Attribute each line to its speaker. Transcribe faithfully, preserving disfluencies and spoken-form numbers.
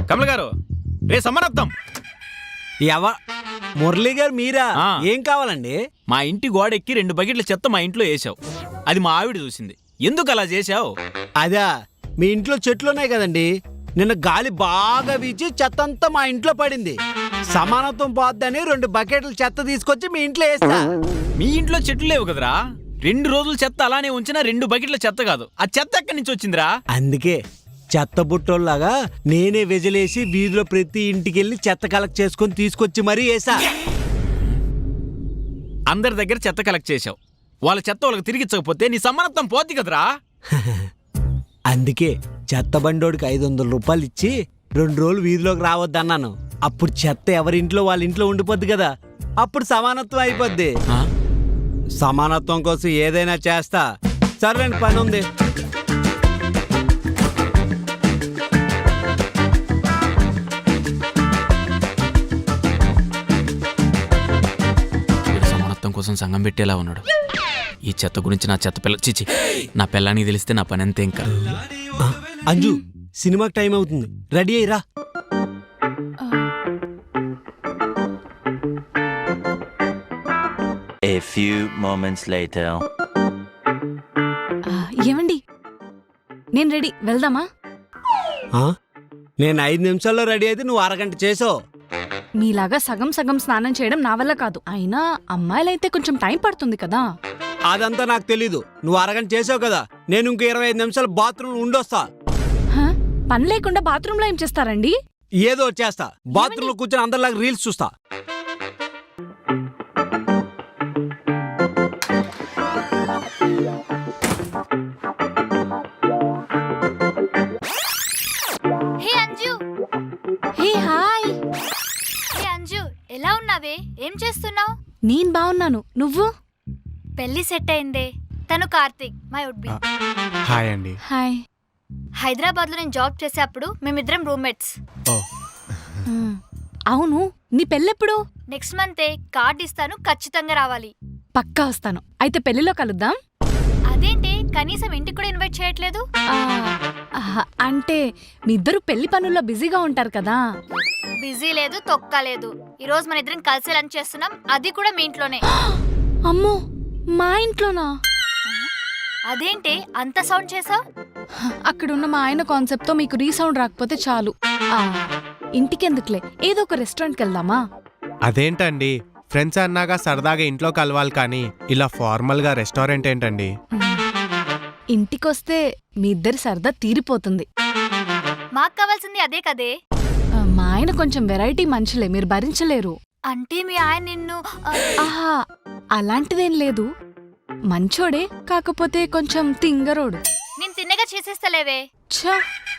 Speaker 1: కమల్ గారు రే సమానత్వం.
Speaker 2: ఎవ మురళి గారు మీరా?
Speaker 1: ఆ.
Speaker 2: ఏం కావాలండి?
Speaker 1: మా ఇంటి గోడెక్కి రెండు బకెట్ల చెత్త మా ఇంట్లో వేసావు. అది మా ఆవిడ చూసింది. ఎందుకు అలా చేశావు?
Speaker 2: అదా, మీ ఇంట్లో చెట్లు ఉన్నాయి కదండి, నిన్న గాలి బాగా వీచి చెత్త అంతా మా ఇంట్లో పడింది. సమానత్వం పోద్దని రెండు బకెట్ల చెత్త తీసుకొచ్చి మీ ఇంట్లో వేస్తా.
Speaker 1: మీ ఇంట్లో చెట్లు లేవు కదరా. రెండు రోజులు చెత్త అలానే ఉంచినా రెండు బకెట్ల చెత్త కాదు. ఆ చెత్త ఎక్కడి నుంచి వచ్చిందిరా?
Speaker 2: అందుకే చెత్త బుట్టోల్లాగా నేనే వెజలేసి వీధిలో ప్రతి ఇంటికి వెళ్ళి చెత్త కలెక్ట్ చేసుకొని తీసుకొచ్చి మరీ వేసా.
Speaker 1: అందరి దగ్గర చెత్త కలెక్ట్ చేశావు. వాళ్ళ చెత్త వాళ్ళకి తిరిగిచ్చకపోతే నీ సమానత్వం పోద్ది కదరా.
Speaker 2: అందుకే చెత్త బండోడికి ఐదు వందల రూపాయలు ఇచ్చి రెండు రోజులు వీధిలోకి రావద్దన్నాను. అప్పుడు చెత్త ఎవరింట్లో వాళ్ళ ఇంట్లో ఉండిపోద్ది కదా, అప్పుడు సమానత్వం అయిపోద్ది.
Speaker 1: ఆ?
Speaker 2: సమానత్వం కోసం ఏదైనా చేస్తా. సరేండి, పని ఉంది.
Speaker 1: వీడు సమానత్వం కోసం సంఘం పెట్టేలా ఉన్నాడు. ఈ చెత్త గురించి నా చెత్త పిల్ల చిచి నా పిల్లానికి తెలిస్తే నా పని అంతే. ఇంకా
Speaker 2: ఆ, అంజు, సినిమాకి టైం అవుతుంది, రెడీ అయ్యిరా.
Speaker 3: A few moments later.
Speaker 4: ఏమండి, నేను రెడీ, వెళ్దామా?
Speaker 2: ఆ? నేను ఐదు నిమిషాల్లో రెడీ అయితే నువ్వు అరగంట చేసావు.
Speaker 4: మీలాగా సగం సగం స్నానం చేయడం నా వల్ల కాదు. అయినా అమ్మాయిలైతే కొంచెం టైం పడుతుంది కదా.
Speaker 2: అదంతా నాకు తెలీదు. నువ్వు అరగంట చేసావు కదా, నేను ఇంకో ఇరవై ఐదు నిమిషాలు బాత్రూమ్ ఉండొస్తా.
Speaker 4: హ? పని లేకుండా బాత్రూంలో ఏం చేస్తారండి?
Speaker 2: ఏదో చేస్తా. బాత్రూమ్ లో కూర్చొని అందరిలాగా రీల్స్ చూస్తా.
Speaker 5: Hey Anju,
Speaker 4: hey hi.
Speaker 5: Hey Anju, ఎలా ఉన్నావే? ఏం చేస్తున్నావు?
Speaker 4: నేను బాగున్నాను, నువ్వు?
Speaker 5: పెళ్లి సెట్ అయిందే. తను Karthik, my would be.
Speaker 6: Hi అండి.
Speaker 4: హాయ్.
Speaker 5: హైదరాబాద్ లో నేను జాబ్ చేసేప్పుడు మేమిద్దరం రూమ్మేట్స్.
Speaker 4: మ్, అవును, నీ పెళ్ళెప్పుడు?
Speaker 5: నెక్స్ట్ మంతే. కార్డ్ ఇస్తాను, ఖచ్చితంగా రావాలి.
Speaker 4: పక్కా వస్తాను. అయితే పెళ్లిలో కలుద్దాం.
Speaker 5: అదేంటి, కనీసం ఇంటికి కూడా ఇన్వైట్ చేయట్లేదు?
Speaker 4: ఆ, ఆహా, అంటే మీ ఇద్దరు పెళ్లి పనుల్లో బిజీగా ఉంటారు కదా.
Speaker 5: బిజీ లేదు, తొక్క లేదు. ఈ రోజు మన ఇద్దరం కలిసి లంచ్ చేస్తున్నాం, అది కూడా మీ ఇంట్లోనే.
Speaker 4: అమ్మో, మా ఇంట్లోనా?
Speaker 5: అదేంటి అంత సౌండ్ చేసావు?
Speaker 4: అక్కడున్న మా ఆయన కాన్సెప్ట్తో మీకు రీసౌండ్ రాకపోతే చాలు. ఆ, ఇంటికెందుకులే, ఏదో ఒక రెస్టారెంట్కి వెళ్దామా?
Speaker 6: అదేంటండి, ఫ్రెండ్స్ అన్నాక సరదాగా ఇంట్లో కలవాలి కానీ ఇలా ఫార్మల్ గా రెస్టారెంట్ ఏంటండి?
Speaker 4: ఇంటికొస్తే మీ ఇద్దరి సరదా తీరిపోతుంది.
Speaker 5: మాకు కావాల్సింది అదే కదే.
Speaker 4: ఆ, మా ఆయన కొంచెం వెరైటీ మనుషులే, మీరు భరించలేరు.
Speaker 5: అంటే మీ ఆయన నిన్ను ఆ,
Speaker 4: ఆహా, అలాంటిదేం లేదు. మంచోడే, కాకపోతే కొంచెం తింగరోడు.
Speaker 5: నేను తిన్నగా చేసేస్తలేవే.
Speaker 4: ఛ,